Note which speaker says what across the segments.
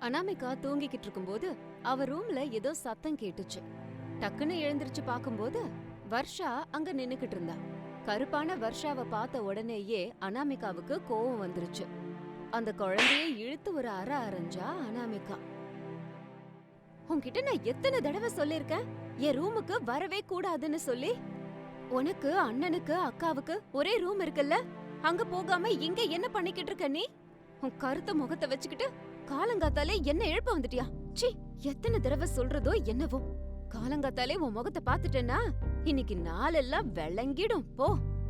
Speaker 1: அனாமிகா தூங்கிக்கிட்டு இருக்கும்போது அவ ரூம்ல ஏதோ சத்தம் கேட்டுச்சு. டக்குன்னு எழுந்திருச்சு பாக்கும்போது வர்ஷா அங்க நின்னுக்கிட்டு இருந்தா. கருப்பான வர்ஷாவை பார்த்த உடனேயே அனாமிகாவுக்கு கோவம் வந்துருச்சு. அந்த குழந்தைய இழுத்து ஒரு அரைஞ்சா அனாமிகா. உன்கிட்ட நான் எத்தனை தடவை சொல்லிருக்கேன் என் ரூமுக்கு வரவே கூடாதுன்னு சொல்லி. உனக்கு அண்ணனுக்கு அக்காவுக்கு ஒரே ரூம் இருக்குல்ல, அங்க போகாம இங்க என்ன பண்ணிக்கிட்டு இருக்க நீ? உன் கருத்த முகத்தை வச்சுக்கிட்டு காலங்காத்தாலே என்ன எழுப்ப வந்துட்டியா? சி, எத்தனை தடவை சொல்றதோ என்னவோ. காலங்காத்தாலே உன் முகத்தை பாத்துட்டேன்னா இன்னைக்கு நாளெல்லாம் விளங்கிடும் போ.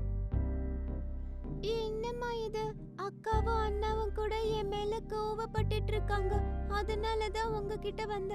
Speaker 1: என்னம்மா இது? அக்காவும் அண்ணாவும் கூட என் மேல கோவப்பட்டுட்டு இருக்காங்க, அதனாலதான் உங்ககிட்ட வந்த.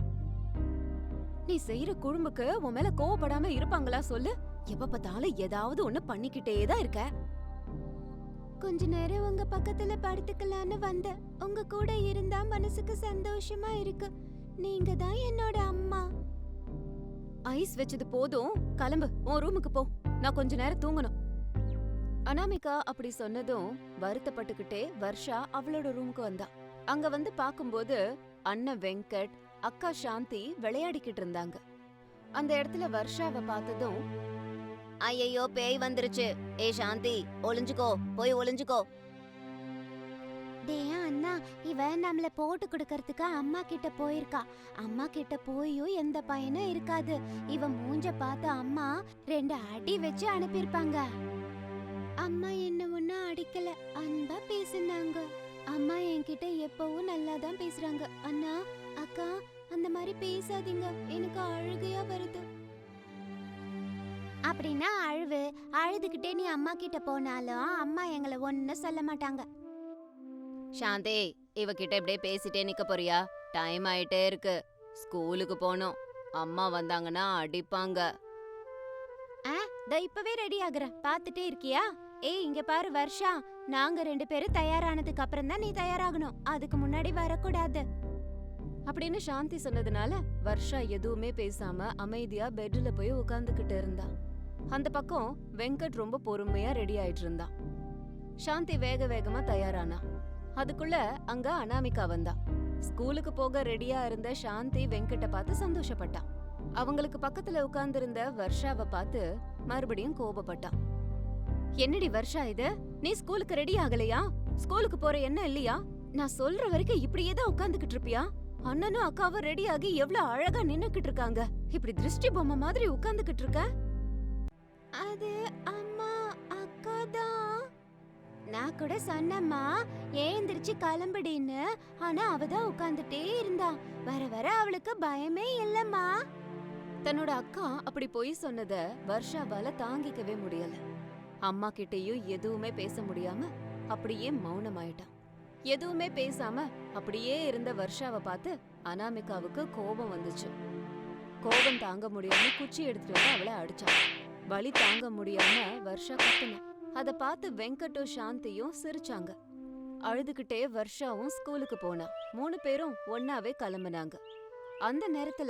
Speaker 1: நீ செய்யற குறும்புக்கு உன் மேல கோவப்படாம இருப்பாங்களா சொல்லு? எப்ப பார்த்தாலும் ஏதாவது ஒண்ணு பண்ணிக்கிட்டேதான் இருக்க. கொஞ்ச நேரம் உங்க பக்கத்துல படுத்துக்கலான்னு வந்த. உங்க கூட இருந்தா மனசுக்கு சந்தோஷமா இருக்கு. நீங்க தான் என்னோட அம்மா. ஐஸ் வச்சது போதும், கிளம்பு உன் ரூமுக்கு போ. நான் கொஞ்ச நேரம் தூங்கணும். அனாமிகா அப்படி சொன்னதும் வருத்தப்பட்டுக்கிட்டே வர்ஷா அவளோட ரூமுக்கு வந்தா. அங்க வந்து பாக்கும்போது அண்ணன் வெங்கட், அக்கா சாந்தி விளையாடிக்கிட்டு இருந்தாங்க. அந்த இடத்துல வர்ஷாவை பார்த்ததும், ஐயோ பேய் வந்துருச்சு, ஏ சாந்தி ஒளிஞ்சுக்கோ, போய் ஒளிஞ்சுக்கோ. டேய் அண்ணா, இவ நம்மள போட்டு கொடுக்கறதுக்கு அம்மா கிட்ட போயிருக்கா. அம்மா கிட்ட போயும் எந்த பயனும் இருக்காது. இவ மூஞ்ச பார்த்து அம்மா 2 அடி வச்சு அனுப்பியிருப்பாங்க. அம்மா என்ன ஒன்னும் அடிக்கல, அன்பா பேசினாங்க. அம்மா என்கிட்ட எப்பவும் நல்லா தான் பேசுறாங்க. அண்ணா அக்கா, அந்த மாதிரி பேசாதீங்க, எனக்கு அழுகையா வருது. அப்படின்னா அழுதுகிட்டே நீ அம்மா கிட்ட போனாலும் அம்மா எங்களை ஒன்னும் சொல்ல மாட்டாங்க. சாந்தி, இவகிட்ட இப்படியே பேசிட்டே நிக்க போறியா? டைம் ஆயிட்டே இருக்கு, ஸ்கூலுக்கு போகணும். அம்மா வந்தாங்கன்னா அடிப்பாங்க. இப்பவே ரெடி ஆகுறேன், பாத்துட்டே இருக்கியா? ஏய் இங்க பாரு வர்ஷா, நாங்க 2 பேரும் தயாரானதுக்கு அப்புறம் தான் நீ தயாராகணும், அதுக்கு முன்னாடி வரக்கூடாது அப்படின்னு சாந்தி சொன்னதுனால வர்ஷா எதுவுமே பேசாம அமைதியா பெட்ல போய் உட்கார்ந்துகிட்டு இருந்தா. அந்த பக்கம் வெங்கட் ரொம்ப பொறுமையா ரெடி ஆயிட்டு இருந்தா. சாந்தி வேக வேகமா தயாரானா. அதுக்குள்ள அங்க அனாமிகா வந்தா. ஸ்கூலுக்கு போக ரெடியா இருந்த சாந்தி வெங்கட்ட பார்த்து சந்தோஷப்பட்டா. அவங்களுக்கு பக்கத்துல உட்கார்ந்து இருந்த வர்ஷாவை பார்த்து மறுபடியும் கோபப்பட்டா. என்னடி வர்ஷா இது, நீ ஸ்கூலுக்கு ரெடி ஆகலையா? ஸ்கூலுக்கு போற என்ன இல்லையா? நான் சொல்ற வரைக்கும் இப்படியே தான் உட்கார்ந்துகிட்டு இருப்பியா? அண்ணனும் அக்காவும் ரெடி ஆகி எவ்வளவு அழகா நின்னுக்கிட்டு இருக்காங்க, இப்படி திருஷ்டி பொம்மை மாதிரி உட்கார்ந்துகிட்டு இருக்க. அது அம்மா அக்கா தான். நான் கூட சொன்னம்மா ஏந்திரிச்சு கிளம்புடின்னு, ஆனா அவதான் உட்கார்ந்துட்டே இருந்தா. வர வர அவளுக்கு பயமே இல்லம்மா. தன்னோட அக்கா அப்படி போய் சொன்னத வர்ஷாவால தாங்கிக்கவே முடியல. அம்மா கிட்டயும் எதுவுமே பேச முடியாம அப்படியே மௌனமாயிட்டான். எதுவுமே பேசாம அப்படியே இருந்த வர்ஷாவை பார்த்து அனாமிகாவுக்கு கோபம் வந்துச்சு. கோபம் தாங்க முடியாம குச்சி எடுத்துட்டு வந்து அவளை அடிச்சான். வலி தாங்க முடியாம வர்ஷா கத்துனா. அத பார்த்து வெங்கட்டும் சாந்தியும் சிரிச்சாங்க. அழுதுகிட்டே வர்ஷாவும் ஸ்கூலுக்கு போனா. 3 பேரும் ஒன்னாவே கிளம்புனாங்க. அந்த நேரத்துல,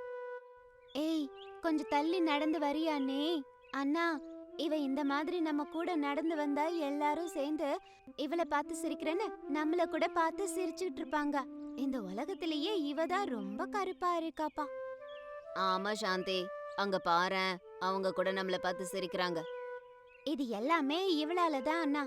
Speaker 1: ஏய் கொஞ்சம் தள்ளி நடந்து வரியானே? அண்ணா, இவ இந்த மாதிரி நம்ம கூட நடந்து வந்தா எல்லாரும் சேர்ந்து இவளை பார்த்து சிரிக்கிறேன்னு நம்மள கூட பார்த்து சிரிச்சுட்டு இருப்பாங்க. இந்த உலகத்திலேயே இவதான் ரொம்ப கருப்பா இருக்காப்பா. ஆமா சாந்தி, அங்க பாரேன், அவங்க கூட நம்மள பார்த்து சிரிக்கிறாங்க. இது எல்லாமே இவளாலதான் அண்ணா.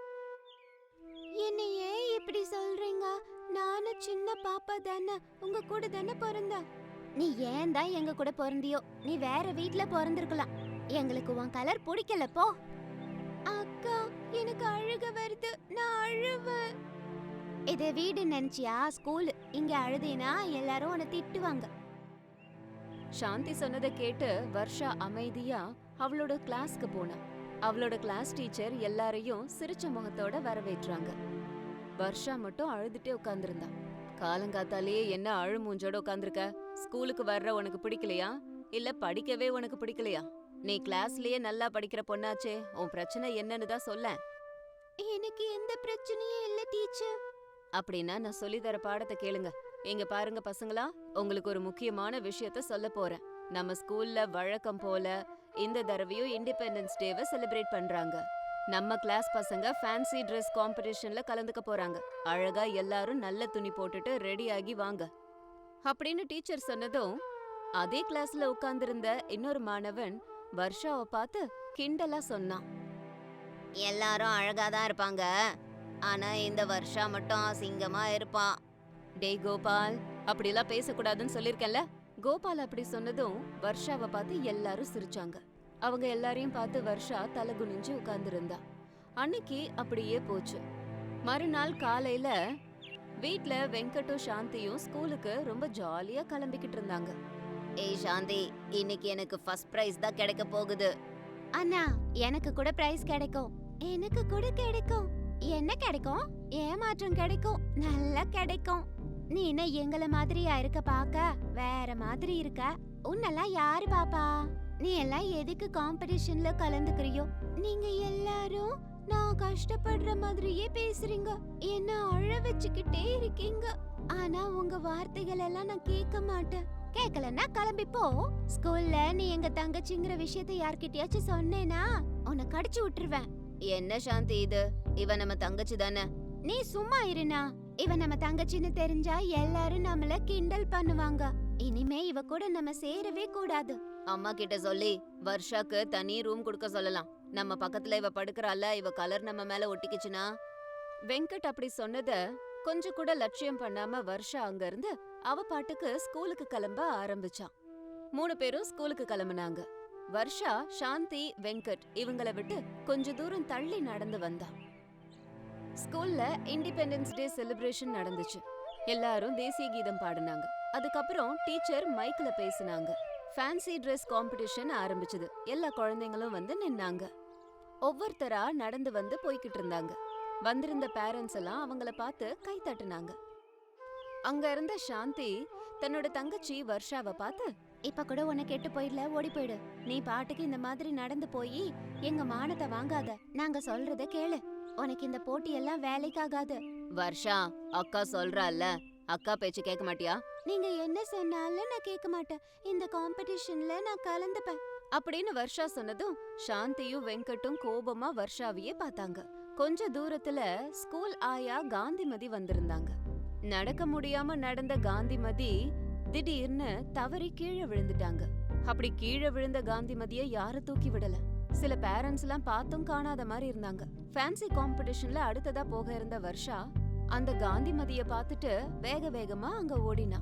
Speaker 1: என்ன ஏன் இப்படி சொல்றீங்க? நானும் சின்ன பாப்பா தானே, உங்க கூட தானே பிறந்தா. நீ ஏன் தான் எங்க கூட பிறந்தியோ? நீ வேற வீட்ல பிறந்திருக்கலாம். எங்களுக்கு உன் கலர் பிடிக்கல போ. அக்கா, எனக்கு அழுக வருது, நான் அழுவேன். இது வீடு நினைச்சியா? ஸ்கூல். இங்க அழுதேனா எல்லாரும் உன்னை திட்டுவாங்க. சாந்தி சொன்னதை கேட்டு வர்ஷா அமைதியா அவளோட கிளாஸ்க்கு போனா. அவளோட கிளாஸ் டீச்சர் எல்லாரையும் சிரிச்ச முகத்தோட வரவேற்றாங்க. வர்ஷா மட்டும் அழுதுட்டே உட்கார்ந்திருந்தா. காலங்காத்தாலேயே என்ன அழு மூஞ்சோட உட்கார்ந்திருக்க? ஸ்கூலுக்கு வர்ற உனக்கு பிடிக்கலையா, இல்ல படிக்கவே உனக்கு பிடிக்கலையா? நீ கிளாஸ்லயே நல்லா படிக்கிற பொண்ணாச்சே, உன் பிரச்சனை என்னன்னு தான் சொல்ல. எனக்கு எந்த பிரச்சனையும் இல்ல டீச்சர். அப்படின்னா நான் சொல்லி தர பாடத்தை கேளுங்க. இங்க பாருங்க பசங்களா, உங்களுக்கு ஒரு முக்கியமான விஷயத்த சொல்ல போறேன். நம்ம ஸ்கூல்ல வழக்கம் போல இந்த தடவையும் இண்டிபெண்டன்ஸ் டேவை செலிப்ரேட் பண்றாங்க. நம்ம கிளாஸ் பசங்க ஃபேன்சி Dress காம்படிஷன்ல கலந்துக்க போறாங்க. அழகா எல்லாரும் நல்ல துணி போட்டுட்டு ரெடி ஆகி வாங்க அப்படின்னு டீச்சர் சொன்னதும் அதே கிளாஸ்ல உட்கார்ந்திருந்த இன்னொரு மாணவன் வர்ஷாவை பார்த்து கிண்டலா சொன்னான். எல்லாரும் அழகா தான் இருப்பாங்க, ஆனா இந்த வர்ஷா மட்டும் அசிங்கமா இருப்பான். டேய் கோபால், அப்படிலாம் பேசக்கூடாதுன்னு சொல்லிருக்கேன்ல. கோபால் அப்படி சொன்னதும் வர்ஷாவை பார்த்து எல்லாரும் சிரிச்சாங்க. அவங்க எல்லாரையும் பார்த்து வர்ஷா தலை குனிஞ்சு உட்கார்ந்திருந்தா. அன்னைக்கு அப்படியே போச்சு. மறுநாள் காலையில வீட்ல வெங்கட்டும் சாந்தியும் ஸ்கூலுக்கு ரொம்ப ஜாலியா கிளம்பிக்கிட்டு இருந்தாங்க. ஏய் சாந்தி, இன்னைக்கு எனக்கு ஃபர்ஸ்ட் பிரைஸ் தான் கிடைக்க போகுது. அண்ணா, எனக்கு கூட பிரைஸ் கிடைக்கும். எனக்கு கூட கிடைக்கும். என்ன கிடைக்கும்? ஏமாற்றம் கிடைக்கும். நல்லா கிடைக்கும். நீ என்ன எங்கள மாதிரியா இருக்க? பாக்க வேற மாதிரி இருக்க. உன்னெல்லாம் யாரு பாப்பா? நீ எல்லாம் எதுக்கு காம்படிஷன்ல கலந்துக்கிறியோ? நீங்க எல்லாரும் நான் கஷ்டப்படுற மாதிரியே பேசுறீங்க. என்ன அழ வச்சுக்கிட்டே இருக்கீங்க. ஆனா உங்க வார்த்தைகள் எல்லாம் நான் கேட்க மாட்டேன். கேக்கலன்னா கிளம்பி போ. ஸ்கூல்ல நீ எங்க தங்கச்சிங்கிற விஷயத்தை யார்கிட்டயாச்சும் சொன்னேனா உன்னை கடிச்சு விட்டுருவேன். என்ன சாந்தி இது? இவ நம்ம தங்கச்சி தானே? நீ சும்மா இருனா. இவ நம்ம தங்கச்சின்னு தெரிஞ்சா எல்லாரும் நம்மள கிண்டல் பண்ணுவாங்க. இனிமே இவ கூட நம்ம சேரவே கூடாது. அம்மா கிட்ட சொல்லி வர்ஷாக்கு தனி ரூம் கொடுக்க சொல்லலாம். நம்ம பக்கத்துல இவ படுக்கறால, இவ கலர் நம்ம மேல ஒட்டிக்கிச்சுனா. வெங்கட் அப்படி சொன்னத கொஞ்சம் கூட லட்சியம் பண்ணாம வர்ஷா அங்க இருந்து அவ பாட்டுக்கு ஸ்கூலுக்கு கிளம்ப ஆரம்பிச்சான். 3 பேரும் ஸ்கூலுக்கு கிளம்புனாங்க. வர்ஷா, சாந்தி, வெங்கட் இவங்கள விட்டு கொஞ்ச தூரம் தள்ளி நடந்து வந்தா. ஸ்கூல்ல இண்டிபெண்டன்ஸ் டே செலிப்ரேஷன் நடந்துச்சு. எல்லாரும் தேசிய கீதம் பாடினாங்க. அதுக்கப்புறம் டீச்சர் மைக்ல பேசினாங்க. ஃபேன்சி Dress காம்படிஷன் ஆரம்பிச்சது. எல்லா குழந்தைங்களும் வந்து நின்னாங்க. ஒவ்வொருத்தரா நடந்து வந்து போய்கிட்டு இருந்தாங்க. வந்திருந்த பேரண்ட்ஸ் எல்லாம் அவங்கள பார்த்து கை தட்டுனாங்க. அங்க இருந்த சாந்தி தன்னோட தங்கச்சி வர்ஷாவை பார்த்து, இப்ப கூட உன்னை கெட்டு போயிடல, ஓடி போயிடு. நீ பாட்டுக்கு இந்த மாதிரி நடந்து போய் எங்க மானத்தை வாங்காத. நாங்க சொல்றத கேளு. உனக்கு இந்த போட்டி எல்லாம் வேலைக்காகாது. வர்ஷா, அக்கா சொல்றால, அக்கா பேச்சு கேட்க மாட்டியா? நீங்க என்ன சொன்னாலும் நான் கேட்க மாட்டேன். இந்த காம்படிஷன்ல நான் கலந்துப்பேன் அப்படின்னு வர்ஷா சொன்னதும் சாந்தியும் வெங்கட்டும் கோபமா வர்ஷாவையே பார்த்தாங்க. கொஞ்ச தூரத்துல ஸ்கூல் ஆயா காந்திமதி வந்திருந்தாங்க. நடக்க முடியாம நடந்த காந்திமதி திடீர்னு தவறி கீழே விழுந்துட்டாங்க. அப்படி கீழே விழுந்த காந்திமதிய யாரும் தூக்கி விடல. சில பேரண்ட்ஸ் எல்லாம் பார்த்தும் காணாத மாதிரி இருந்தாங்க. ஃபேன்சி காம்படிஷன்ல அடுத்ததா போக இருந்த வர்ஷா அந்த காந்திமதிய பார்த்துட்டு வேக வேகமா அங்க ஓடினா.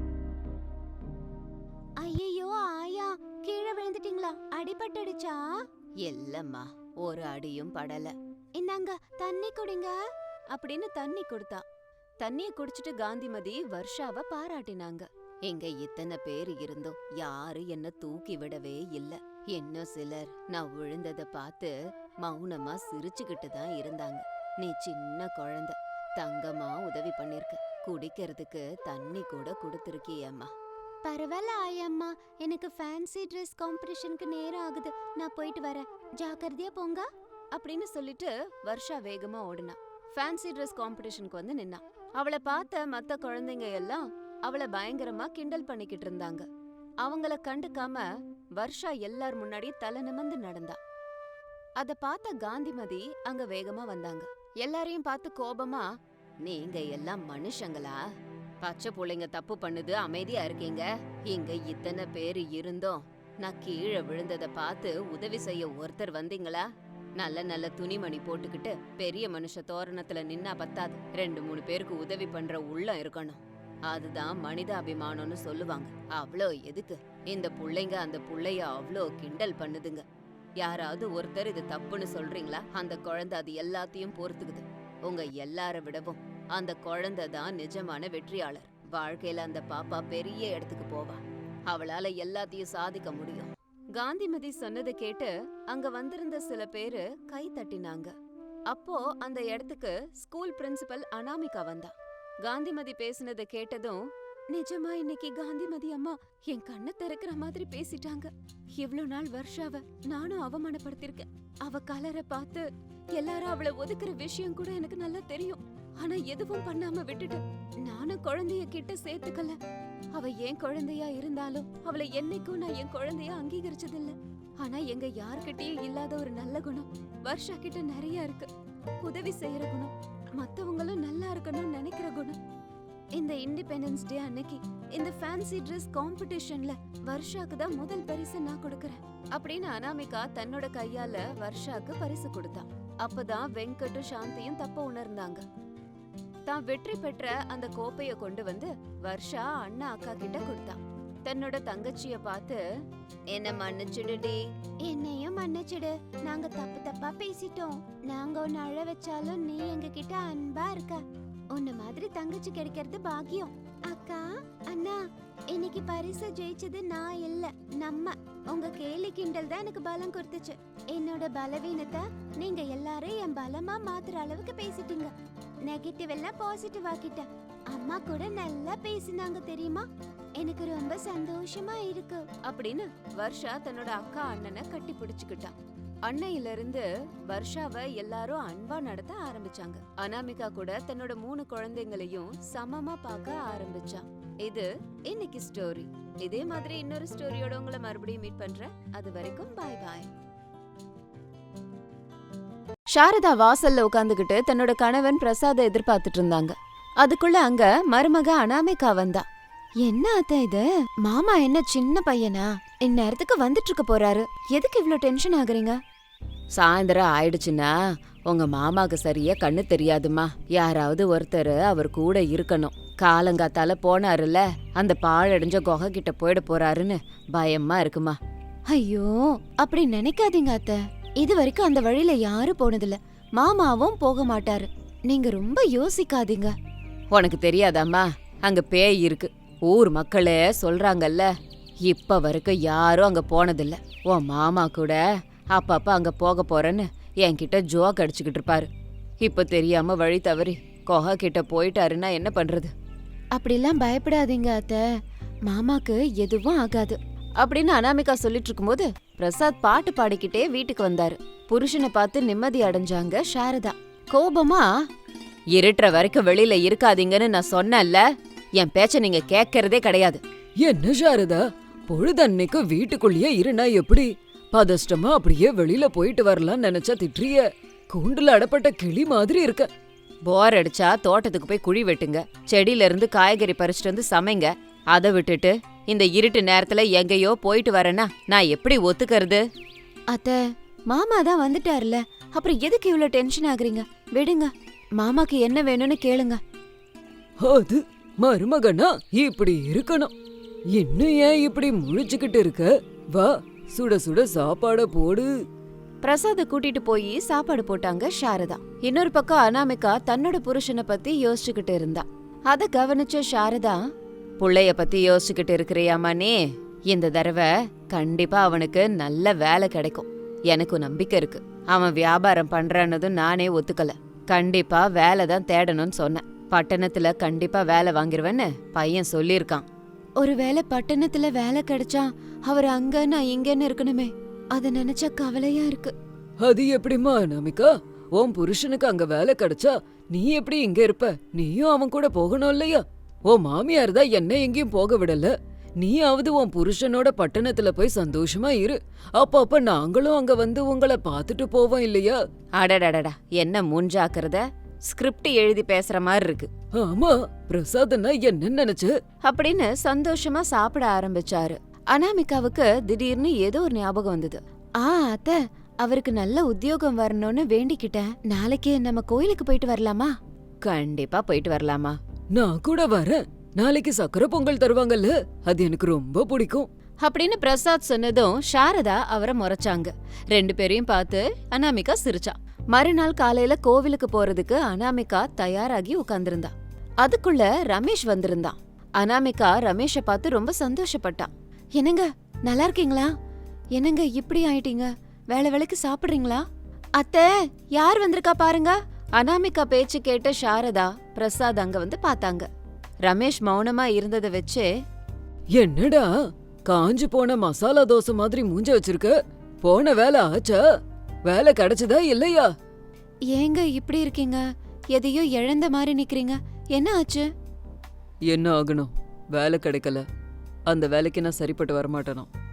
Speaker 1: ஐயோ ஆயா, கீழே விழுந்துட்டீங்களா? அடிபட்டுடுச்சா? இல்லம்மா, ஒரு அடியும் படல. இந்தாங்க தண்ணி குடிங்க அப்படின்னு தண்ணி கொடுத்தா. தண்ணிய குடிச்சிட்டு காந்திமதி வர்ஷாவை பாராட்டினாங்க. எங்க இத்தனை பேர் இருந்தோம் யாரு என்ன தூக்கி விடவே இல்ல. இன்னும் சிலர் நான் விழுந்தத பார்த்து மௌனமா சிரிச்சுக்கிட்டு தான் இருந்தாங்க. நீ சின்ன குழந்தை, தங்கமா உதவி பண்ணிருக்க. குடிக்கிறதுக்கு தண்ணி கூட கொடுத்துருக்கியம்மா. பரவாயில்ல ஆயம்மா, எனக்கு ஃபேன்சி Dress காம்படிஷனுக்கு நேரம் ஆகுது. நான் போயிட்டு வரேன், ஜாக்கிரதையா போங்க அப்படின்னு சொல்லிட்டு வர்ஷா வேகமா ஓடுனா. ஃபேன்சி Dress காம்படிஷனுக்கு வந்து நின்னா. அவளை பார்த்த மத்த குழந்தைங்க எல்லாம் அவளை பயங்கரமா கிண்டல் பண்ணிக்கிட்டு இருந்தாங்க. அவங்கள கண்டுக்காம வர்ஷா எல்லார் முன்னாடி தலை நிமிர்ந்து நடந்தா. அத பார்த்த காந்திமதி அங்க வேகமா வந்தாங்க. எல்லாரையும் பார்த்து கோபமா, நீங்க எல்லாம் மனுஷங்களா? பச்சை புள்ளைங்க தப்பு பண்ணுது, அமைதியா இருக்கீங்க. இங்க இத்தனை பேரு இருந்தோம், நான் கீழே விழுந்தத பார்த்து உதவி செய்ய ஒருத்தர் வந்தீங்களா? நல்ல நல்ல துணிமணி போட்டுக்கிட்டு பெரிய மனுஷ தோரணத்துல நின்னா பத்தாது. 2-3 பேருக்கு உதவி பண்ற உள்ளம் இருக்கணும். அதுதான் மனித அபிமானம்னு சொல்லுவாங்க. அவ்வளோ எதுக்கு? இந்த புள்ளைங்க அந்த புள்ளைய அவ்வளோ கிண்டல் பண்ணுதுங்க. யாராவது ஒருத்தர் இது தப்புன்னு சொல்றீங்களா? அந்த குழந்தை அது எல்லாத்தையும் பொறுத்துக்குது. உங்க எல்லார விடவும் அந்த குழந்தை தான் நிஜமான வெற்றியாளர். வாழ்க்கையில அந்த பாப்பா பெரிய இடத்துக்கு போவா. அவளால எல்லாத்தையும் சாதிக்க முடியும். காந்திமதி சொன்னதை கேட்டு அங்க வந்திருந்த சில பேரு கை தட்டினாங்க. அப்போ அந்த இடத்துக்கு ஸ்கூல் பிரின்சிபல் அனாமிகா வந்தா. காந்திமதி பேசினதை கேட்டதும், நிஜமா இன்னைக்கு காந்திமதி அம்மா என் கண்ணை திறக்கிற மாதிரி பேசிட்டாங்க. இவ்ளோ நாள் வர்ஷாவ நானும் அவமானப்படுத்திருக்கேன். அவ கலரை பார்த்து எல்லாரும் அவளை ஒதுக்குற விஷயம் கூட எனக்கு நல்லா தெரியும். ஆனா எதுவும் பண்ணாம விட்டுட்டு நானும் குழந்தைய கிட்ட சேர்த்துக்கல. அவ என் குழந்தையா இருந்தாலும் அவளை என்னைக்கும் நான் என் குழந்தையா அங்கீகரிச்சதில்ல. ஆனா எங்க யார்கிட்டயும் இல்லாத ஒரு நல்ல குணம் வர்ஷா கிட்ட நிறைய இருக்கு. உதவி செய்யற குணம், மத்தவங்களும் நல்லா இருக்கணும்னு நினைக்கிற குணம். இந்த இண்டிபெண்டன்ஸ் டே அன்னைக்கு இந்த ஃபேன்சி ட்ரெஸ் காம்படிஷன்ல வர்ஷாக்கு தான் முதல் பரிசு நான் கொடுக்கறேன் அப்படின்னு அனாமிகா தன்னோட கையால வர்ஷாக்கு பரிசு கொடுத்தா. அப்பதான் வெங்கட்டும் சாந்தியும் தப்ப உணர்ந்தாங்க. தான் வெற்றி பெற்ற அந்த கோப்பைய கொண்டு வந்து வர்ஷா அண்ணா அக்கா கிட்ட கொடுத்தா. தன்னோட தங்கச்சிய பார்த்து, என்ன மன்னிச்சுடுடி. என்னையும் மன்னிச்சுடு, நாங்க தப்பு தப்பா பேசிட்டோம். நாங்க உன்னை அழ வச்சாலும் நீ எங்க கிட்ட அன்பா இருக்க. உன்ன மாதிரி தங்கச்சி கிடைக்கிறது பாக்கியம். அக்கா அண்ணா, இன்னைக்கு பரிசு ஜெயிச்சது நான் இல்ல, நம்ம. உங்க கேலி கிண்டல் தான் எனக்கு பலம் கொடுத்துச்சு. என்னோட பலவீனத்தை நீங்க எல்லாரும் என் பலமா மாத்துற அளவுக்கு பேசிட்டீங்க. நெகட்டிவ் எல்லாம் பாசிட்டிவ் ஆக்கிட்ட. அம்மா கூட நல்லா பேசினாங்க தெரியுமா? எனக்கு ரொம்ப சந்தோஷமா இருக்கு அப்படின்னு வர்ஷா தன்னோட அக்கா அண்ணனை கட்டி பிடிச்சுக்கிட்டா. அன்னையில இருந்து வர்ஷாவை எல்லாரும் அன்பா நடத்த ஆரம்பிச்சாங்க. அனாமிகா கூட தன்னோட 3 குழந்தைங்களையும் சமமா பார்க்க ஆரம்பிச்சா. இது இன்னைக்கு ஸ்டோரி. இதே மாதிரி இன்னொரு ஸ்டோரியோட உங்களை மறுபடியும் மீட் பண்றேன். அது வரைக்கும் பாய் பாய். சாரதா வாசல்ல உட்காந்துக்கிட்டு தன்னோட கணவன் பிரசாத எதிர்பார்த்துட்டு இருந்தாங்க. அதுக்குள்ள அங்க மருமக அனாமிகா வந்தா. என்ன அத்தை இது? மாமா என்ன சின்ன பையனா? இந்நேரத்துக்கு வந்துட்டு இருக்க போறாரு. எதுக்கு இவ்ளோ டென்ஷன் ஆகுறீங்க? சாயந்தரம் ஆயிடுச்சுன்னா உங்க மாமாக்கு சரியா கண்ணு தெரியாதுமா. யாராவது ஒருத்தர் அவர் கூட இருக்கணும். காலங்காத்தால போனாருல, அந்த பாழடைஞ்ச குகை கிட்ட போயிட போறாருன்னு பயமா இருக்குமா. ஐயோ, அப்படி நினைக்காதீங்க அத்தை. இது வரைக்கும் அந்த வழியில யாரும் போனதில்ல. மாமாவும் போக மாட்டாரு. நீங்க ரொம்ப யோசிக்காதீங்க. உனக்கு தெரியாதாம்மா, அங்க பேய் இருக்கு. ஊர் மக்களே சொல்றாங்கல்ல. இப்ப வரைக்கும் யாரும் அங்க போனதில்ல. உன் மாமா கூட அப்பப்ப அங்க போக போறேன்னு என்கிட்ட ஜோக் அடிச்சுக்கிட்டு இருப்பாரு. இப்ப தெரியாம வழி தவறி குகை கிட்ட போயிட்டாருன்னா என்ன பண்றது? அப்படிலாம் பயப்படாதீங்க அத்தை, மாமாக்கு எதுவும் ஆகாது அப்படின்னு அனாமிகா சொல்லிட்டு இருக்கும்போது பிரசாத் பாட்டு பாடிக்கிட்டே வீட்டுக்கு வந்தாரு. புருஷனை பார்த்து நிம்மதி அடைஞ்சாங்க சாரதா. கோபமா, இருட்டுற வரைக்கும் வெளியில இருக்காதீங்கன்னு நான் சொன்னேன்ல, என் பேச்ச நீங்க கேட்கறதே கிடையாது.
Speaker 2: என்ன சாரதா, பொழுதன்னைக்கு வீட்டுக்குள்ளேயே இருனா எப்படி? பதஷ்டமா அப்படியே வெளியில போயிட்டு வரலாம்னு நினைச்சா திட்டுறிய. கூண்டுல அடப்பட்ட கிளி மாதிரி இருக்க.
Speaker 1: போர் அடிச்சா தோட்டத்துக்கு போய் குழி வெட்டுங்க, செடியில இருந்து காய்கறி பறிச்சுட்டு வந்து சமைங்க. அதை விட்டுட்டு இந்த இருட்டு நேரத்துல எங்கேயோ போயிட்டு வரேன்னா நான் எப்படி ஒத்துக்கிறது? அத்த, மாமா தான் வந்துட்டாருல, அப்புறம் எதுக்கு இவ்வளவு டென்ஷன் ஆகுறீங்க? விடுங்க, மாமாக்கு என்ன வேணும்னு கேளுங்க.
Speaker 2: அது மருமகனா இப்படி இருக்கணும். இன்னும் ஏன் இப்படி முழிச்சுக்கிட்டு இருக்க? வா, சுட சுட சாப்பாட போடு.
Speaker 1: பிரசாத கூட்டிட்டு போய் சாப்பாடு போட்டாங்க சாரதா. இன்னொரு பக்கம் அனாமிகா தன்னோட புருஷனை பத்தி யோசிச்சுக்கிட்டு இருந்தா. அத கவனிச்ச சாரதா, புள்ளைய பத்தி யோசிச்சுக்கிட்டு இருக்கிறியாமா நீ? இந்த தடவை கண்டிப்பா அவனுக்கு நல்ல வேலை கிடைக்கும். எனக்கு நம்பிக்கை இருக்கு. அவன் வியாபாரம் பண்றானதும் நானே ஒத்துக்கல. கண்டிப்பா வேலை தான் தேடணும்னு சொன்னேன். பட்டணத்துல கண்டிப்பா வேலை வாங்கிருவேன்னு பையன் சொல்லிருக்கான். ஒருவேளை பட்டணத்துல வேலை கிடைச்சா அவர் அங்க நான் இங்கன்னு இருக்கணுமே, அத நினைச்சா கவலையா இருக்கு.
Speaker 2: அது எப்படிமா அனாமிகா? உன் புருஷனுக்கு அங்க வேலை கிடைச்சா நீ எப்படி இங்க இருப்ப? நீயும் அவன் கூட போகணும் இல்லையா? உன் மாமியார் தான் என்ன எங்கேயும் போக விடல. நீயாவது உன் புருஷனோட பட்டணத்துல போய் சந்தோஷமா இரு. அப்ப நாங்களும் அங்க வந்து உங்களை பாத்துட்டு போவோம் இல்லையா?
Speaker 1: அடடடடா, என்ன மூஞ்சாக்குறத? ஸ்கிரிப்ட் எழுதி பேசுற மாதிரி இருக்கு.
Speaker 2: ஆமா, பிரசாத்னா என்ன நினைச்சு
Speaker 1: அப்படின்னு சந்தோஷமா சாப்பிட ஆரம்பிச்சாரு. அனாமிகாவுக்கு திடீர்னு ஏதோ ஒரு ஞாபகம் வந்தது. அத்த, அவருக்கு நல்ல உத்தியோகம் வரணும்னு வேண்டிக்கிட்டேன். நாளைக்கு நம்ம கோயிலுக்கு போயிட்டு வரலாமா? கண்டிப்பா போயிட்டு வரலாமா.
Speaker 2: நான் கூட வரேன். நாளைக்கு சக்கரை பொங்கல் தருவாங்கல்ல, அது எனக்கு ரொம்ப பிடிக்கும்
Speaker 1: அப்படின்னு பிரசாத் சொன்னதும் சாரதா அவரை முறைச்சாங்க. 2 பேரையும் பார்த்து அனாமிகா சிரிச்சா. மறுநாள் காலையில கோவிலுக்கு போறதுக்கு அனாமிகா தயாராகி உட்கார்ந்திருந்தா. அதுக்குள்ள ரமேஷ் வந்திருந்தான். அனாமிகா ரமேஷை பார்த்து ரொம்ப சந்தோஷப்பட்டா. என்னங்க, நல்லா இருக்கீங்களா? என்னங்க இப்படி ஆயிட்டீங்க? வேளைக்கு சாப்பிடுறீங்களா? அத்தை, யார் வந்திருக்கா பாருங்க. அனாமிகா பேச்சு கேட்ட சாரதா பிரசாத் அங்க வந்து பார்த்தாங்க. ரமேஷ் மௌனமா இருந்ததை வச்சே,
Speaker 2: என்னடா காஞ்சு போன மசாலா தோசை மாதிரி மூஞ்ச வச்சிருக்க? போன வேலை ஆச்சா? வேலை கிடைச்சதா இல்லையா?
Speaker 1: ஏங்க இப்படி இருக்கீங்க? எதையோ இழந்த மாதிரி நிக்கிறீங்க. என்ன ஆச்சு?
Speaker 2: என்ன ஆகணும்? வேலை கிடைக்கல. அந்த வேலைக்கு நான் சரிப்பட்டு வரமாட்டேனா?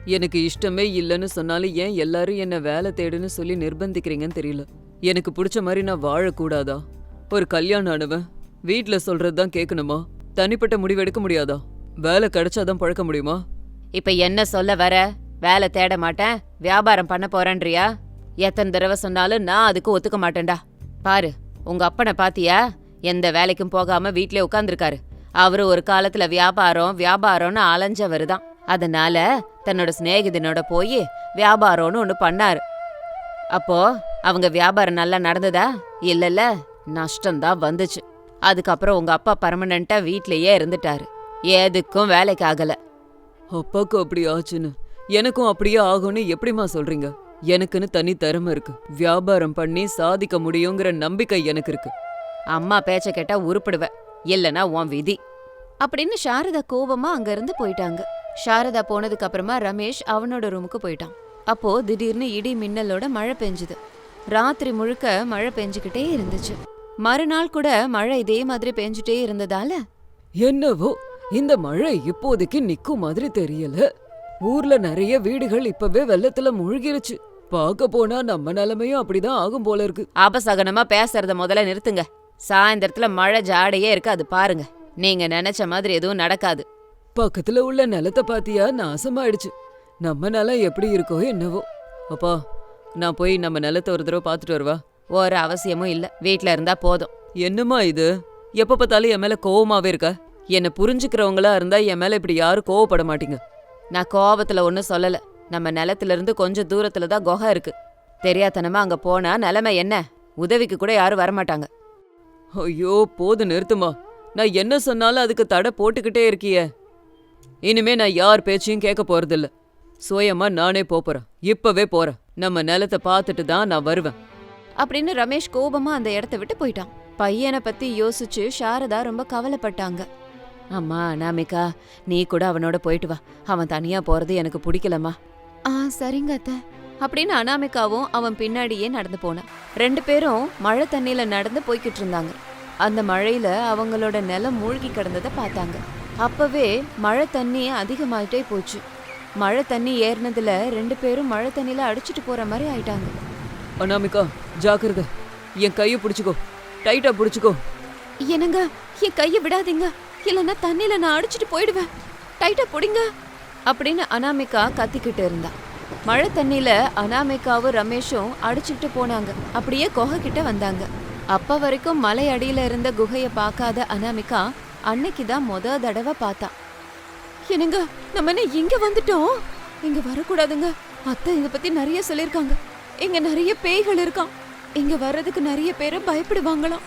Speaker 2: எனக்கு இஷ்டமே இல்லைன்னு சொன்னாலும் ஏன் எல்லாரும் என்ன வேலை தேடுன்னு சொல்லி நிர்பந்திக்கிறீங்கன்னு தெரியல. எனக்கு பிடிச்ச மாதிரி நான் வாழக்கூடாதா? ஒரு கல்யாணம் ஆனவன் வீட்ல சொல்றதுதான் கேட்கணுமா? தனிப்பட்ட முடிவு எடுக்க முடியாதா? வேலை கிடைச்சாதான் பழக்க முடியுமா?
Speaker 1: இப்ப என்ன சொல்ல வர? வேலை தேட மாட்டேன், வியாபாரம் பண்ண போறேன்றியா? எத்தனை தடவை சொன்னாலும் நான் அதுக்கு ஒத்துக்க மாட்டேன்டா. பாரு, உங்க அப்பனை பாத்தியா? எந்த வேலைக்கும் போகாம வீட்லயே உட்கார்ந்துருக்காரு. அவரு ஒரு காலத்துல வியாபாரம்னு அலைஞ்சவரு தான். அதனால தன்னோட சிநேகிதனோட போய் வியாபாரம்னு ஒண்ணு பண்ணாரு. அப்போ அவங்க வியாபாரம் நல்லா நடந்ததா? இல்லல்ல, நஷ்டம்தான் வந்துச்சு. அதுக்கப்புறம் உங்க அப்பா பர்மனண்டா வீட்லயே இருந்துட்டாரு, எதுக்கும் வேலைக்கு ஆகல.
Speaker 2: அப்பாக்கு அப்படி ஆச்சுன்னு எனக்கும் அப்படியே ஆகும்னு எப்படிம்மா சொல்றீங்க? எனக்குன்னு தனி திறமை இருக்கு. வியாபாரம் பண்ணி சாதிக்க முடியுங்கிற நம்பிக்கை எனக்கு இருக்கு.
Speaker 1: அம்மா பேச்ச கேட்டா உருப்பிடுவ, இல்லனா உன் விதி அப்படின்னு சாரதா கோபமா அங்க இருந்து போயிட்டாங்க. சாரதா போனதுக்கு அப்புறமா ரமேஷ் அவனோட ரூமுக்கு போயிட்டான். அப்போ திடீர்னு இடி மின்னலோட மழை பெஞ்சுது. ராத்திரி முழுக்க மழை பெஞ்சுக்கிட்டே இருந்துச்சு. மறுநாள் கூட மழை இதே மாதிரி பெஞ்சுட்டே இருந்ததால
Speaker 2: என்னவோ இந்த மழை இப்போதைக்கு நிக்கும் மாதிரி தெரியல. ஊர்ல நிறைய வீடுகள் இப்பவே வெள்ளத்துல முழுகிருச்சு. பார்க்க போனா நம்ம நிலைமையும் அப்படிதான் ஆகும் போல இருக்கு.
Speaker 1: அபசகனமா பேசுறத முதல்ல நிறுத்துங்க. சாயந்தரத்துல மழை ஜாடையே இருக்கு, அது பாருங்க. நீங்க நினைச்ச மாதிரி எதுவும் நடக்காது.
Speaker 2: பக்கத்துல உள்ள நிலத்தை பாத்தியா? நாசமாயிடுச்சு. நம்ம நிலம் எப்படி இருக்கோ என்னவோ. அப்பா, நான் போய் நம்ம நிலத்தை ஒரு தடவை பாத்துட்டு வருவா?
Speaker 1: ஒரு அவசியமும் இல்ல, வீட்ல இருந்தா போதும்.
Speaker 2: என்னம்மா இது? எப்ப பார்த்தாலும் என் மேல கோவமாவே இருக்க. என்ன புரிஞ்சுக்கிறவங்களா இருந்தா என் மேல இப்படி யாரும் கோவப்பட மாட்டீங்க.
Speaker 1: நான் கோபத்துல ஒன்னும் சொல்லல. நம்ம நிலத்துல இருந்து கொஞ்சம் தூரத்துல தான் குகை இருக்கு. தெரியாதனமா அங்க போனா நிலைமை என்ன? உதவிக்கு கூட யாரும் வரமாட்டாங்க.
Speaker 2: ஐயோ, போது நிறுத்துமா. நான் என்ன சொன்னாலும் அதுக்கு தடை போட்டுக்கிட்டே இருக்கியே. இனிமே நான் யார் பேச்சையும் கேட்க போறதில்ல. சுயமா நானே போறேன். இப்பவே போறேன். நம்ம நிலத்தை பார்த்துட்டு தான் நான் வருவேன்
Speaker 1: அப்படின்னு ரமேஷ் கோபமா அந்த இடத்த விட்டு போயிட்டான். பையனை பத்தி யோசிச்சு சாரதா ரொம்ப கவலைப்பட்டாங்க. அம்மா அனாமிகா, நீ கூட அவனோட போயிட்டு வா. அவன் தனியா போறது எனக்கு பிடிக்கலம்மா. சரிங்க அத்தை அப்படின்னு அனாமிகாவும் அவன் பின்னாடியே நடந்து போனான். 2 பேரும் மழை தண்ணியில நடந்து போய்கிட்டு இருந்தாங்க. அந்த மழையில அவங்களோட நிலம் மூழ்கி கிடந்ததை பார்த்தாங்க. அப்பவே மழை தண்ணி அதிகமாயிட்டே போச்சு. மழை தண்ணி ஏறினதுல 2 பேரும் மழை தண்ணியில அடிச்சிட்டு போற மாதிரி ஆயிட்டாங்க.
Speaker 2: அனாமிகா, ஜாக்கிரதை. என் கையை பிடிச்சுக்கோ, டைட்டா பிடிச்சுக்கோ.
Speaker 1: என்னங்க, என் கையை விடாதீங்க, இல்லைன்னா தண்ணியில நான் அடிச்சிட்டு போயிடுவேன். டைட்டா பிடிங்க அப்படின்னு அனாமிகா கத்திக்கிட்டு இருந்தா. மழை தண்ணியில அனாமிகாவும் ரமேஷும் அடிச்சுக்கிட்டு போனாங்க. அப்படியே குகை கிட்ட வந்தாங்க. அப்ப வரைக்கும் மலை அடியில இருந்த குகைய பார்க்காத அனாமிகா அன்னைக்குதான் தடவை பார்த்தா. என்னங்க, நம்ம என்ன இங்க வந்துட்டோம்? இங்க வரக்கூடாதுங்க. அத்தை இத பத்தி நிறைய சொல்லிருக்காங்க. இங்க நிறைய பேய்கள் இருக்கான். இங்க வர்றதுக்கு நிறைய பேரு பயப்படுவாங்களாம்.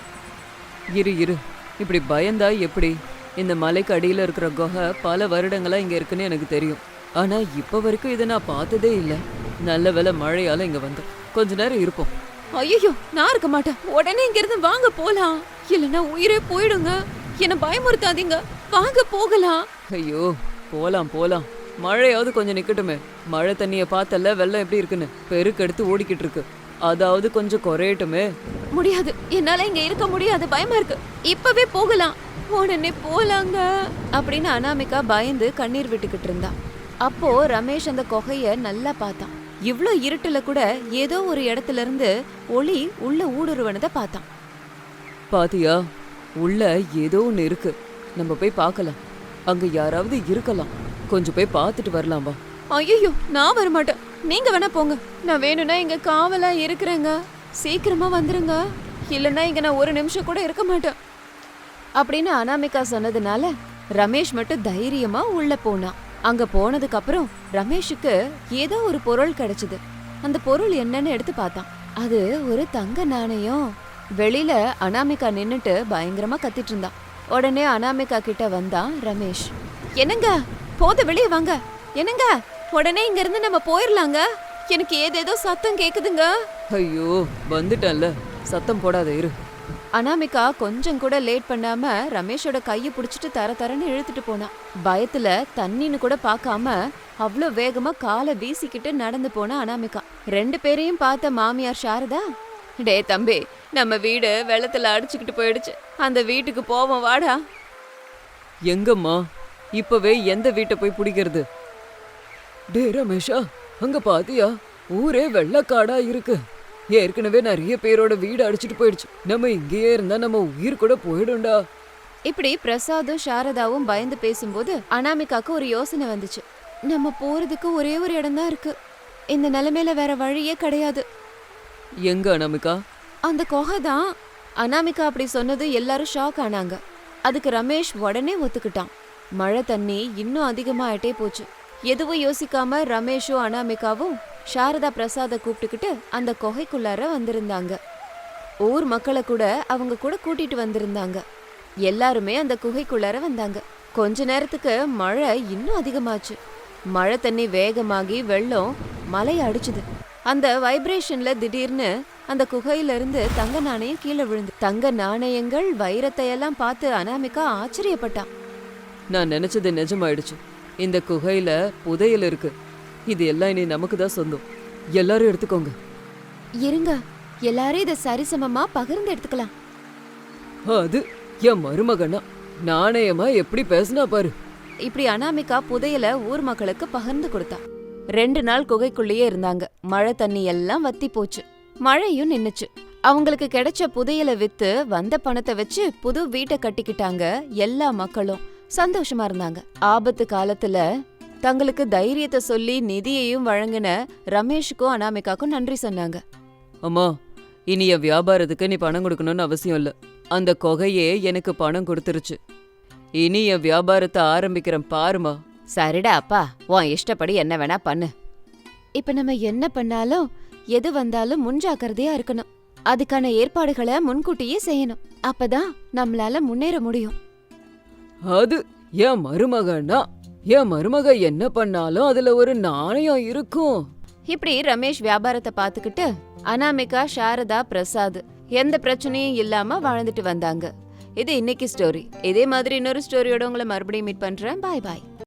Speaker 2: இரு, இப்படி பயந்தா எப்படி? இந்த மலைக்கு அடியில இருக்கிற குகை பல வருடங்களா இங்க இருக்குன்னு எனக்கு தெரியும். ஆனா இப்ப வரைக்கும் இதை நான் பார்த்ததே இல்ல. நல்ல வேளை மழையால இங்க வந்தோம். கொஞ்ச நேரம் இருப்போம்.
Speaker 1: ஐயோ, நான் இருக்க மாட்டேன். உடனே இங்க இருந்து வாங்க போலாம். இல்லைன்னா உயிரே போயிடுங்க. என்ன பயமுறுத்தாதீங்க, வாங்க போகலாம்.
Speaker 2: ஐயோ, போலாம். மழையாவது கொஞ்சம் நிக்கட்டுமே. மழை தண்ணிய பார்த்தல வெள்ளம் எப்படி இருக்குன்னு பெருக்கெடுத்து ஓடிக்கிட்டு இருக்கு. அதாவது கொஞ்சம் குறையட்டுமே.
Speaker 1: முடியாது, என்னால இங்க இருக்க முடியாது, பயமா இருக்கு. இப்பவே போகலாம். உடனே போலாங்க அப்படின்னு அனாமிகா பயந்து கண்ணீர் விட்டுக்கிட்டு இருந்தா. அப்போ ரமேஷ் அந்த குகைய நல்லா பார்த்தான். இவ்ளோ இருட்டுல கூட ஏதோ ஒரு இடத்துல இருந்து ஒளி உள்ள ஊடுருவனத பார்த்தான்.
Speaker 2: பாத்தியா, உள்ள ஏதோ ஒண்ணு இருக்கு. நம்ம போய் பார்க்கலாம். அங்க யாராவது இருக்கலாம். கொஞ்சம் போய் பார்த்துட்டு வரலாம் வா.
Speaker 1: ஐயோ, நான் வரமாட்டேன். நீங்க வேணா போங்க. நான் வேணும்னா இங்க காவலா இருக்கிறேங்க. சீக்கிரமா வந்துருங்க, இல்லைன்னா இங்க நான் ஒரு நிமிஷம் கூட இருக்க மாட்டேன் அப்படின்னு அனாமிகா சொன்னதுனால ரமேஷ் மட்டும் தைரியமா உள்ள போனான். அங்க போனதுக்கு அப்புறம் ரமேஷுக்கு ஏதோ ஒரு பொருள் கிடைச்சது. அந்த பொருள் என்னன்னு எடுத்து பார்த்தான். அது ஒரு தங்க நாணயம். வெளியில அனாமிகா நின்னுட்டு பயங்கரமா கத்திட்டு இருந்தான். உடனே அனாமிகா கிட்ட வந்தான் ரமேஷ். என்னங்க, போத வெளியே வாங்க. என்னங்க, உடனே இங்க இருந்து நம்ம போயிடலாங்க. எனக்கு ஏதேதோ சத்தம் கேக்குதுங்க.
Speaker 2: ஐயோ, வந்துட்டேன்ல, சத்தம் போடாத இரு.
Speaker 1: அனாமிகா கொஞ்சம் கூட லேட் பண்ணாம ரமேஷோட கையை பிடிச்சிட்டு தரன்னு இழுத்துட்டு போனான். பயத்துல தண்ணின்னு கூட பார்க்காம அவ்வளோ வேகமா காலை வீசிக்கிட்டு நடந்து போனா அனாமிகா. 2 பேரையும் பார்த்த மாமியார் சாரதா, டே தம்பி, நம்ம வீடு வெள்ளத்துல அடிச்சுக்கிட்டு போயிடுச்சு. அந்த வீட்டுக்கு போவோம் வாடா.
Speaker 2: எங்கம்மா? இப்பவே எந்த வீட்டை போய் பிடிக்கிறது? டே ரமேஷா, அங்க பாத்தியா? ஊரே வெள்ளக்காடா இருக்கு. ஏற்கனவே நிறைய பேரோட வீடு அடிச்சிட்டு போயிடுச்சு. நம்ம இங்கேயே இருந்தா நம்ம உயிர் கூட போயிடும்டா.
Speaker 1: இப்படி பிரசாதும் சாரதாவும் பயந்து பேசும்போது அனாமிகாக்கு ஒரு யோசனை வந்துச்சு. நம்ம போறதுக்கு ஒரே ஒரு இடம் தான் இருக்கு. இந்த நிலைமையில வேற வழியே கிடையாது.
Speaker 2: எங்க அனாமிகா?
Speaker 1: அந்த குகை தான். அனாமிகா அப்படி சொன்னது எல்லாரும் ஷாக் ஆனாங்க. அதுக்கு ரமேஷ் உடனே ஒத்துக்கிட்டான். மழை தண்ணி இன்னும் அதிகமாயிட்டே போச்சு. எதுவும் யோசிக்காம ரமேஷும் அனாமிகாவும் சாரதா பிரசாத கூப்பிட்டுக்கிட்டு அந்த குகைக்குள்ளார வந்திருந்தாங்க. ஊர் மக்களை கூட அவங்க கூட கூட்டிட்டு வந்திருந்தாங்க. எல்லாருமே அந்த குகைக்குள்ளார வந்தாங்க. கொஞ்ச நேரத்துக்கு மழை இன்னும் அதிகமாச்சு. மழை தண்ணி வேகமாகி வெள்ளம் மலையை அடிச்சுது. அந்த வைப்ரேஷன்ல திடீர்னு அந்த குகையில இருந்து தங்க நாணயம் கீழே விழுந்து. தங்க நாணயங்கள் வைரத்தை எல்லாம் பார்த்து அனாமிகா ஆச்சரியப்பட்டான்.
Speaker 2: நான் நினைச்சது நிஜமாயிடுச்சு. இந்த குகையில புதையல் இருக்கு. இது எல்லாம் இனி நமக்கு தான் சொந்தம். எல்லாரும் எடுத்துக்கோங்க.
Speaker 1: இருங்க, எல்லாரும் இதை சரிசமமா பகிர்ந்து எடுத்துக்கலாம்.
Speaker 2: அது என் மருமகனா நாணயமா எப்படி பேசினா பாரு.
Speaker 1: இப்படி அனாமிகா புதையல ஊர் மக்களுக்கு பகிர்ந்து கொடுத்தா. 2 நாள் குகைக்குள்ளேயே இருந்தாங்க. மழை தண்ணி எல்லாம் வத்தி போச்சு. மழையும் நின்னுச்சு. அவங்களுக்கு கிடைச்ச புதையல வித்து வந்த பணத்தை வச்சு புது வீட்டை கட்டிக்கிட்டாங்க. எல்லா மக்களும் சந்தோஷமா இருந்தாங்க. ஆபத்து காலத்துல தங்களுக்கு தைரியத்தை சொல்லி நிதியையும் வழங்கின ரமேஷுக்கும் அனாமிகாக்கும் நன்றி சொன்னாங்க.
Speaker 2: அம்மா, இனி என் வியாபாரத்துக்கு நீ பணம் கொடுக்கணும்னு அவசியம் இல்ல. அந்த கொகையே எனக்கு பணம் கொடுத்துருச்சு. இனி என் வியாபாரத்தை ஆரம்பிக்கிறேன் பாருமா.
Speaker 1: சரிடா அப்பா, உன் இஷ்டப்படி என்ன வேணா பண்ணு. இப்ப நம்ம என்ன பண்ணாலும் எது வந்தாலும் முன்ஜாக்கிரதையா இருக்கணும். அதுக்கான ஏற்பாடுகளை முன்கூட்டியே செய்யணும். அப்பதான் நம்மளால முன்னேற முடியும்.
Speaker 2: அது என் மருமகனா. என் மருமக என்ன பண்ணாலும் அதுல ஒரு நாணயம் இருக்கும்.
Speaker 1: இப்படி ரமேஷ் வியாபாரத்தை பாத்துக்கிட்டு அனாமிகா, சாரதா, பிரசாத் எந்த பிரச்சனையும் இல்லாம வாழ்ந்துட்டு வந்தாங்க. இது இன்னைக்கு ஸ்டோரி. இதே மாதிரி இன்னொரு ஸ்டோரியோட உங்களை மறுபடியும் மீட் பண்றேன். பாய் பாய்.